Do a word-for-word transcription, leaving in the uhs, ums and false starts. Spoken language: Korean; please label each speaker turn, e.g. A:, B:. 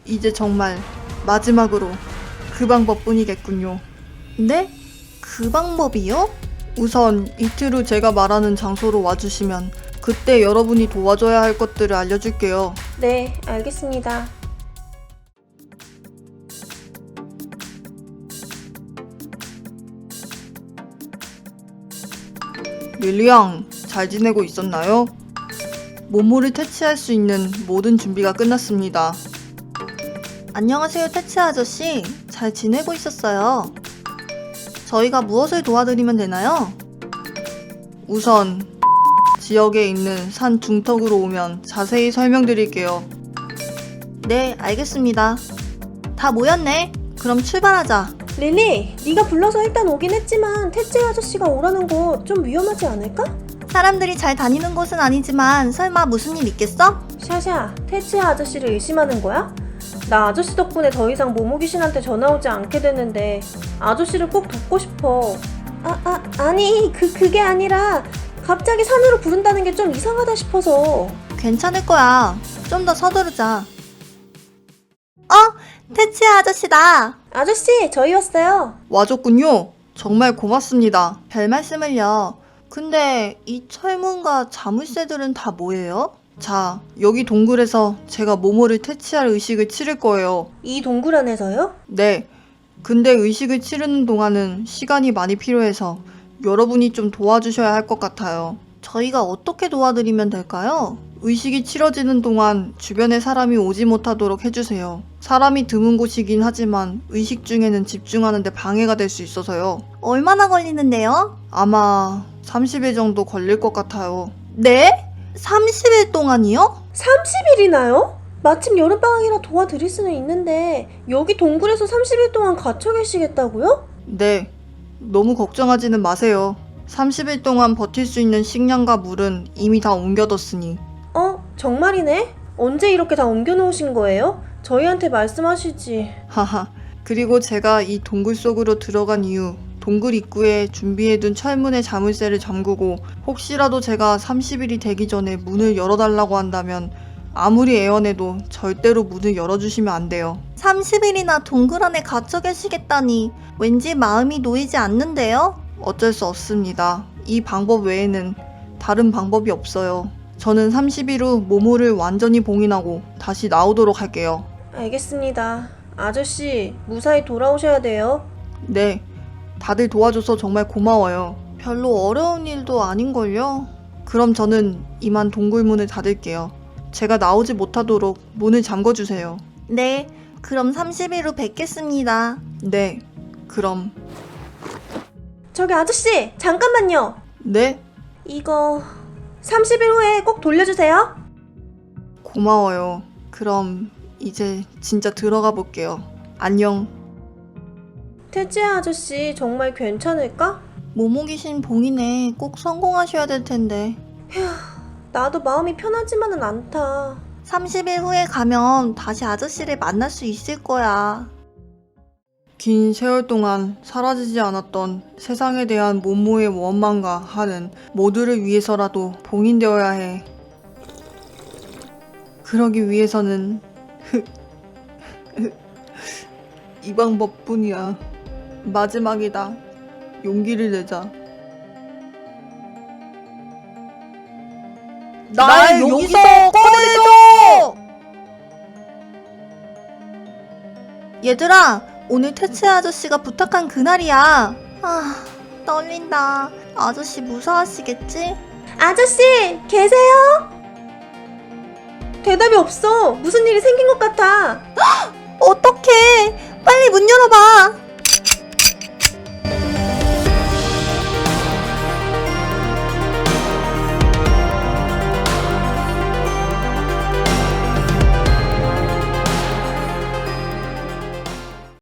A: 이제 정말 마지막으로 그 방법뿐이겠군요.
B: 네? 그 방법이요?
A: 우선 이틀 후 제가 말하는 장소로 와주시면 그때 여러분이 도와줘야 할 것들을 알려줄게요.
C: 네, 알겠습니다.
A: 릴리양, 잘 지내고 있었나요? 모모를 퇴치할 수 있는 모든 준비가 끝났습니다.
B: 안녕하세요, 퇴치 아저씨. 잘 지내고 있었어요. 저희가 무엇을 도와드리면 되나요?
A: 우선 지역에 있는 산 중턱으로 오면 자세히 설명드릴게요.
B: 네, 알겠습니다. 다 모였네. 그럼 출발하자.
C: 릴리, 네가 불러서 일단 오긴 했지만 태치 아저씨가 오라는 거 좀 위험하지 않을까?
B: 사람들이 잘 다니는 곳은 아니지만 설마 무슨 일 있겠어?
C: 샤샤, 태치 아저씨를 의심하는 거야? 나 아저씨 덕분에 더 이상 모모 귀신한테 전화 오지 않게 됐는데 아저씨를 꼭 돕고 싶어. 아, 아, 아니 그, 그게 아니라 갑자기 산으로 부른다는 게 좀 이상하다 싶어서.
B: 괜찮을 거야. 좀 더 서두르자. 어? 퇴치 아저씨다.
C: 아저씨, 저희 왔어요.
A: 와줬군요. 정말 고맙습니다.
B: 별 말씀을요. 근데 이 철문과 자물쇠들은 다 뭐예요?
A: 자, 여기 동굴에서 제가 모모를 퇴치할 의식을 치를 거예요.
C: 이 동굴 안에서요?
A: 네. 근데 의식을 치르는 동안은 시간이 많이 필요해서 여러분이 좀 도와주셔야 할 것 같아요.
B: 저희가 어떻게 도와드리면 될까요?
A: 의식이 치러지는 동안 주변에 사람이 오지 못하도록 해주세요. 사람이 드문 곳이긴 하지만 의식 중에는 집중하는 데 방해가 될 수 있어서요.
B: 얼마나 걸리는데요?
A: 아마 삼십 일 정도 걸릴 것 같아요.
B: 네? 삼십 일 동안이요?
C: 삼십 일이나요? 마침 여름방학이라 도와드릴 수는 있는데 여기 동굴에서 삼십 일 동안 갇혀 계시겠다고요?
A: 네. 너무 걱정하지는 마세요. 삼십 일 동안 버틸 수 있는 식량과 물은 이미 다 옮겨뒀으니.
C: 어? 정말이네? 언제 이렇게 다 옮겨놓으신 거예요? 저희한테 말씀하시지.
A: 하하. 그리고 제가 이 동굴 속으로 들어간 이후 동굴 입구에 준비해둔 철문의 자물쇠를 잠그고 혹시라도 제가 삼십 일이 되기 전에 문을 열어달라고 한다면 아무리 애원해도 절대로 문을 열어주시면 안 돼요.
B: 삼십 일이나 동굴 안에 갇혀 계시겠다니 왠지 마음이 놓이지 않는데요?
A: 어쩔 수 없습니다. 이 방법 외에는 다른 방법이 없어요. 저는 삼십 일 후 모모를 완전히 봉인하고 다시 나오도록 할게요.
C: 알겠습니다. 아저씨, 무사히 돌아오셔야 돼요.
A: 네. 다들 도와줘서 정말 고마워요.
B: 별로 어려운 일도 아닌걸요?
A: 그럼 저는 이만 동굴 문을 닫을게요. 제가 나오지 못하도록 문을 잠궈주세요.
B: 네, 그럼 삼십 일 후 뵙겠습니다.
A: 네. 그럼.
C: 저기 아저씨, 잠깐만요.
A: 네?
C: 이거 삼십 일 후에 꼭 돌려주세요.
A: 고마워요. 그럼 이제 진짜 들어가 볼게요. 안녕.
C: 태지야 아저씨, 정말 괜찮을까?
B: 모모귀신 봉인에 꼭 성공하셔야 될 텐데.
C: 나도 마음이 편하지만은 않다.
B: 삼십 일 후에 가면 다시 아저씨를 만날 수 있을 거야.
A: 긴 세월 동안 사라지지 않았던 세상에 대한 모모의 원망과 한은 모두를 위해서라도 봉인되어야 해. 그러기 위해서는 이 방법뿐이야. 마지막이다. 용기를 내자.
B: 날 여기서 꺼내줘! 얘들아, 오늘 퇴치 아저씨가 부탁한 그날이야. 아, 떨린다. 아저씨 무사하시겠지?
C: 아저씨, 계세요? 대답이 없어. 무슨 일이 생긴 것 같아.
B: 어떡해! 빨리 문 열어봐!